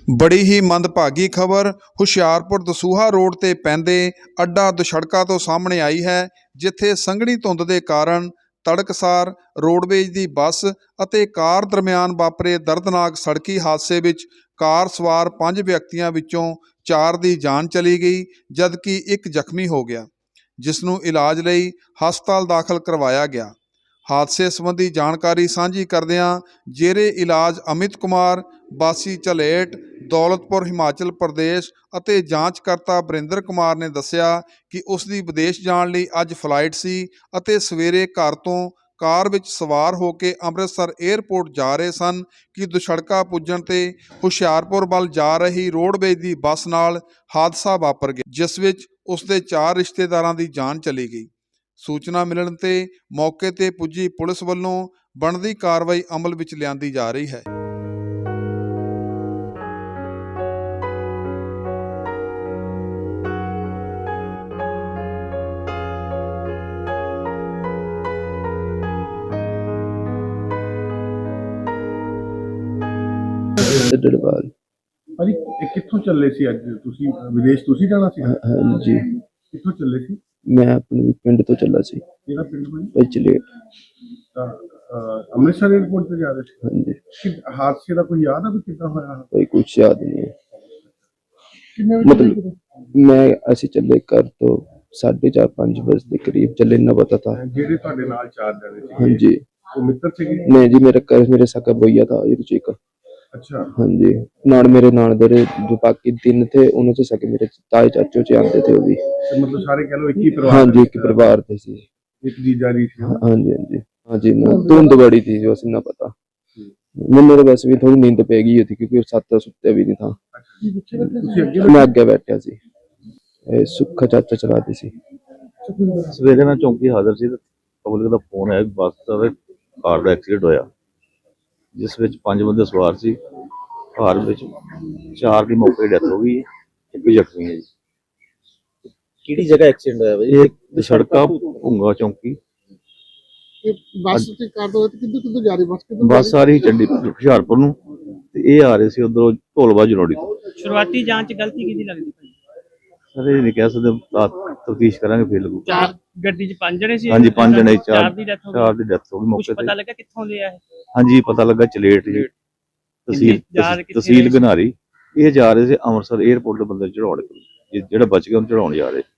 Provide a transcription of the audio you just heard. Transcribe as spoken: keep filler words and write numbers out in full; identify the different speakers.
Speaker 1: ਬੜੀ ਹੀ ਮੰਦਭਾਗੀ ਖਬਰ ਹੁਸ਼ਿਆਰਪੁਰ ਦਸੂਹਾ ਰੋਡ ਤੇ ਪੈਂਦੇ ਅੱਡਾ ਦੁਸ਼ੜਕਾ ਤੋਂ ਸਾਹਮਣੇ ਆਈ ਹੈ, ਜਿੱਥੇ ਸੰਘਣੀ ਧੁੰਦ ਦੇ ਕਾਰਨ ਤੜਕਸਾਰ ਰੋਡਵੇਜ਼ ਦੀ ਬੱਸ ਅਤੇ ਕਾਰ ਦਰਮਿਆਨ ਵਾਪਰੇ ਦਰਦਨਾਕ ਸੜਕੀ ਹਾਦਸੇ ਵਿੱਚ ਕਾਰ ਸਵਾਰ ਪੰਜ ਵਿਅਕਤੀਆਂ ਵਿੱਚੋਂ ਚਾਰ ਦੀ ਜਾਨ ਚਲੀ ਗਈ, ਜਦਕਿ ਇੱਕ ਜ਼ਖਮੀ ਹੋ ਗਿਆ, ਜਿਸ ਨੂੰ ਇਲਾਜ ਲਈ ਹਸਪਤਾਲ ਦਾਖਲ ਕਰਵਾਇਆ ਗਿਆ। ਹਾਦਸੇ ਸੰਬੰਧੀ ਜਾਣਕਾਰੀ ਸਾਂਝੀ ਕਰਦਿਆਂ ਜੇਰੇ ਇਲਾਜ ਅਮਿਤ ਕੁਮਾਰ ਵਾਸੀ ਝਲੇਟ ਦੌਲਤਪੁਰ ਹਿਮਾਚਲ ਪ੍ਰਦੇਸ਼ ਅਤੇ ਜਾਂਚਕਰਤਾ ਬਰਿੰਦਰ ਕੁਮਾਰ ਨੇ ਦੱਸਿਆ ਕਿ ਉਸ ਦੀ ਵਿਦੇਸ਼ ਜਾਣ ਲਈ ਅੱਜ ਫਲਾਈਟ ਸੀ ਅਤੇ ਸਵੇਰੇ ਘਰ ਤੋਂ ਕਾਰ ਵਿੱਚ ਸਵਾਰ ਹੋ ਕੇ ਅੰਮ੍ਰਿਤਸਰ ਏਅਰਪੋਰਟ ਜਾ ਰਹੇ ਸਨ ਕਿ ਦੁਸ਼ੜਕਾ ਪੁੱਜਣ ਤੇ ਹੁਸ਼ਿਆਰਪੁਰ ਵੱਲ ਜਾ ਰਹੀ ਰੋਡਵੇਜ਼ ਦੀ ਬੱਸ ਨਾਲ ਹਾਦਸਾ ਵਾਪਰ ਗਿਆ, ਜਿਸ ਵਿੱਚ ਉਸ ਦੇ ਚਾਰ ਰਿਸ਼ਤੇਦਾਰਾਂ ਦੀ ਜਾਨ ਚਲੀ ਗਈ। ਸੂਚਨਾ ਮਿਲਣ ਤੇ ਮੌਕੇ ਤੇ ਪੁੱਜੀ ਪੁਲਿਸ ਵੱਲੋਂ ਬਣਦੀ ਕਾਰਵਾਈ ਅਮਲ ਵਿੱਚ ਲਿਆਂਦੀ ਜਾ ਰਹੀ ਹੈ।
Speaker 2: ਢਲਵਾਲ
Speaker 3: ਭਾਜੀ ਇਹ ਕਿੱਥੋਂ ਚੱਲੇ ਸੀ ਅੱਜ? ਤੁਸੀਂ ਵਿਦੇਸ਼ ਤੁਸੀਂ ਜਾਣਾ ਸੀ?
Speaker 2: ਹਾਂਜੀ,
Speaker 3: ਕਿੱਥੋਂ ਚੱਲੇ ਸੀ?
Speaker 2: ਮੈਂ ਆਪਣੇ ਪਿੰਡ ਤੋਂ ਚੱਲਾ ਸੀ।
Speaker 3: ਕਿਹੜਾ ਪਿੰਡ ਭਾਜੀ?
Speaker 2: ਪਿਛਲੇ
Speaker 3: ਤਾਂ ਅਹ, ਅੰਮ੍ਰਿਤਸਰ ਏਅਰਪੋਰਟ ਤੇ ਜਾ ਰਹੇ ਸੀ।
Speaker 2: ਹਾਂਜੀ,
Speaker 3: ਕਿ ਹਾਦਸੇ ਦਾ ਕੋਈ ਯਾਦ ਆ ਵੀ ਕਿੱਦਾਂ ਹੋਇਆ?
Speaker 2: ਕੋਈ ਕੁਛ ਯਾਦ ਨਹੀਂ ਹੈ।
Speaker 3: ਕਿੰਨੇ ਵਜੇ
Speaker 2: ਮਤਲਬ
Speaker 3: ਚੱਲੇ?
Speaker 2: ਮੈਂ ਅਸੀਂ ਚੱਲੇ ਘਰ ਤੋਂ ਸਾਢੇ ਚਾਰ ਪੰਜ ਵਜੇ ਦੇ ਕਰੀਬ ਚੱਲੇ, ਨਾ ਪਤਾ था।
Speaker 3: ਜਿਹੜੇ ਤੁਹਾਡੇ ਨਾਲ ਚਾਰ ਜਣੇ ਸੀ
Speaker 2: ਹਾਂਜੀ,
Speaker 3: ਉਹ ਮਿੱਤਰ ਸੀਗੇ?
Speaker 2: नहीं जी, मेरा घर मेरे सका भैया था एक।
Speaker 3: अच्छा
Speaker 2: हाँ जी, नान मेरे नान दे जो बाकी तीन थे उन्होंने से सके मेरे ताए चाचो चे आते थे वो भी।
Speaker 3: तो मतलब सारे कह लो एक ही परिवार?
Speaker 2: हाँ जी, एक परिवार थे सी।
Speaker 3: एक जीजा जी थी?
Speaker 2: हाँ जी हाँ जी हाँ जी, ना धुंध बड़ी थी जो ना पता। मैंने तो वैसे भी थोड़ी नींद पै गई थी क्योंकि सात सुत्ते भी नहीं था। मैं अगे बैठा सी, सुखा चाचा चलाती सी।
Speaker 4: ਸਵੇਰੇ ਮੈਂ ਚੌਂਕੀ ਹਾਜ਼ਰ ਸੀ ਤੇ ਪਬਲਿਕ ਦਾ ਫੋਨ ਆਇਆ ਬੱਸ ਦਾ ਕਾਰ ਦਾ ਐਕਸੀਡੈਂਟ ਹੋਇਆ, ਜਿਸ ਵਿੱਚ ਪੰਜ ਬੰਦੇ ਸਵਾਰ ਸੀ। ਕਾਰ ਵਿੱਚ ਚਾਰ ਦੀ ਮੌਕੇ ਡੈਥ ਹੋ ਗਈ, ਇੱਕ ਜ਼ਖਮੀ ਹੈ ਜੀ।
Speaker 5: ਕਿਹੜੀ ਜਗ੍ਹਾ ਐਕਸੀਡੈਂਟ ਹੋਇਆ ਬਾਈ?
Speaker 4: ਇਹ ਸੜਕਾ ਭੁੰਗਾ ਚੌਂਕੀ।
Speaker 3: ਬੱਸ ਤੇ ਕਾਰ ਤੋਂ ਕਿੱਧਰ ਕਿੱਧਰ ਜਾ ਰਹੀ ਬੱਸ? ਕਿੱਧਰ
Speaker 4: ਬੱਸ ਆ ਰਹੀ ਚੰਡੀਗੜ੍ਹ ਹੁਸ਼ਿਆਰਪੁਰ ਨੂੰ ਤੇ ਇਹ ਆ ਰਹੇ ਸੀ ਉਧਰੋਂ ਢੋਲਵਾ ਜਨੋੜੀ ਤੋਂ।
Speaker 6: ਸ਼ੁਰੂਆਤੀ ਜਾਂਚ ਗਲਤੀ ਕਿਹਦੀ ਲੱਗਦੀ ਭਾਈ?
Speaker 4: ਸਰ ਇਹ ਨਹੀਂ ਕਹਿ ਸਕਦੇ, ਤਫਤੀਸ਼ ਕਰਾਂਗੇ ਫਿਰ ਲੱਗੂ।
Speaker 6: ਚਾਰ ਗੱਡੀ 'ਚ ਪੰਜ ਜਣੇ ਸੀ?
Speaker 4: ਹਾਂਜੀ ਪੰਜ ਜਣੇ, ਚਾਰ
Speaker 6: ਚਾਰ ਦੀ ਡੈਥ ਹੋ
Speaker 4: ਚਾਰ
Speaker 6: ਗਈ।
Speaker 4: ਦੀ ਡੈਥ ਹੋ ਗਈ
Speaker 6: ਕੁਝ
Speaker 4: ਮੌਕੇ
Speaker 6: ਪਤਾ
Speaker 4: ਤੇ।
Speaker 6: ਲੱਗਾ ਕਿੱਥੋਂ ਲਿਆ ਹੈ?
Speaker 4: ਹਾਂਜੀ ਪਤਾ ਲੱਗਾ ਚਲੇਟ ਜੀ, ਤਹਿਸੀਲ
Speaker 6: ਜਾ ਰਹੇ ਕਿੱਥੇ
Speaker 4: ਤਹਿਸੀਲ
Speaker 6: ਰਹੇ ਸੀ?
Speaker 4: ਗਨਾਰੀ। ਇਹ ਜਾ ਰਹੇ ਸੀ ਅੰਮ੍ਰਿਤਸਰ ਏਅਰਪੋਰਟ ਦੇ ਬੰਦੇ ਚੜਾਉਣ, ਜਿਹੜਾ ਬਚ ਗਿਆ ਉਹਨੂੰ ਚੜਾਉਣ ਜਾ ਰਹੇ।